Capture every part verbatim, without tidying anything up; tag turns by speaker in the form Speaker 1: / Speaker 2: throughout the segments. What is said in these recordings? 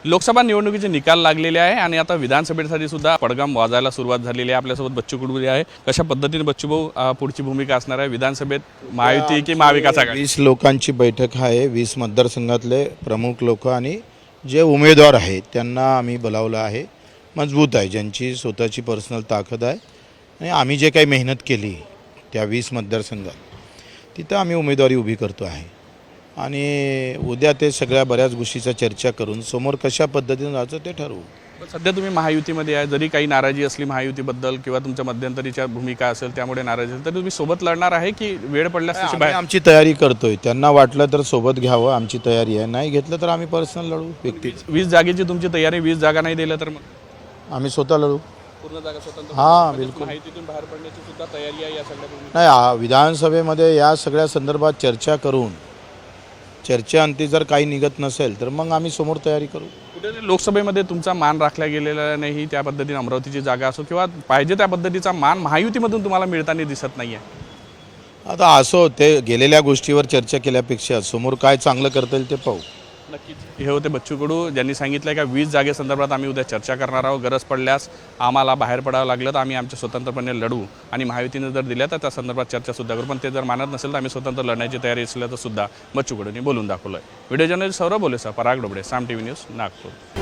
Speaker 1: लोकसभा निवडणुकीचे निकाल लागलेले आहे आणि आता विधानसभेसाठी सुद्धा पडगाम वाजायला सुरुवात झालेली आहे। आपल्यासोबत बच्चू कडू आहे। कशा पद्धतीने बच्चू भाऊ पुढची भूमिका असणार आहे विधानसभेत, महायुती की महाविकास आघाडी?
Speaker 2: वीस लोकांची बैठक आहे। वीस मतदारसंघातले प्रमुख लोक आणि जे उमेदवार आहेत त्यांना आम्ही बोलावलं आहे। मजबूत आहे, ज्यांची स्वतःची पर्सनल ताकद आहे आणि आम्ही जे काही मेहनत केली त्या वीस मतदारसंघात तिथं आम्ही उमेदवारी उभी करतो आहे आणि उद्या ते सगळ्या बऱ्याच गोष्टीचा चर्चा करून समोर कशा पद्धतीने जायचं ते ठरवू।
Speaker 1: सध्या तुम्ही महायुतीमध्ये आहे, जरी काही नाराजी असली महायुतीबद्दल किंवा तुमच्या मध्यंतरीच्या भूमिका असेल त्यामुळे नाराजी असेल, तरी तुम्ही सोबत लढणार आहे की वेळ पडल्यास तशी बाहेर?
Speaker 2: आमची तयारी करतोय, त्यांना वाटलं तर सोबत घ्यावं, आमची तयारी आहे। नाही घेतलं तर आम्ही पर्सनल लढू व्यक्ती।
Speaker 1: वीस जागेची तुमची तयारी, वीस जागा नाही दिल्या तर मग
Speaker 2: आम्ही स्वतः लढू।
Speaker 1: पूर्ण जागा स्वतंत्र?
Speaker 2: हां बिलकुल।
Speaker 1: महायुतीतून बाहेर पडण्याची सुद्धा तयारी आहे या सगळ्या भूमिका?
Speaker 2: नाही, आ- विधानसभेमध्ये या सगळ्या संदर्भात चर्चा करून चर्चेअंती जर काही निघत नसेल तर मग आम्ही समोर तयारी करू।
Speaker 1: कुठे लोकसभेमध्ये तुमचा मान राखला गेलेला नाही, त्या पद्धतीने अमरावतीची जागा असो किंवा पाहिजे त्या पद्धतीचा मान महायुतीमधून तुम्हाला मिळताना दिसत नाही आहे?
Speaker 2: आता असो, ते गेलेल्या गोष्टीवर चर्चा केल्यापेक्षा समोर काय चांगलं करता येईल ते पाहू।
Speaker 1: नक्कीच। हे होते बच्चू कडू, ज्यांनी सांगितलं का वीस जागेसंदर्भात आम्ही उद्या चर्चा करणार आहोत। गरज पडल्यास आम्हाला बाहेर पडावं लागलं तर आम्ही आमच्या स्वतंत्रपणे लढू आणि महायुतीने जर दिल्या तर त्या संदर्भात चर्चासुद्धा करू, पण ते जर मानत नसेल तर आम्ही स्वतंत्र लढण्याची तयारी असल्याचं सुद्धा बच्चू कडूंनी बोलून दाखवलं आहे। व्हिडिओ जर्नलिस्ट सौरभ बोलेसह पराग डोबळे, साम टीव्ही न्यूज, नागपूर।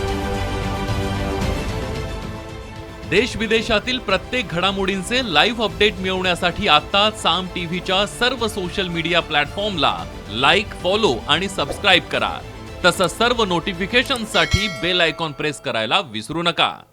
Speaker 3: देश विदेशातील प्रत्येक घडामोडींचे लाईव्ह अपडेट मिळवण्यासाठी आता साम टीव्हीच्या सर्व सोशल मीडिया प्लॅटफॉर्मला लाईक, फॉलो आणि सबस्क्राईब करा। तसंच सर्व नोटिफिकेशनसाठी बेल आयकॉन प्रेस करायला विसरू नका।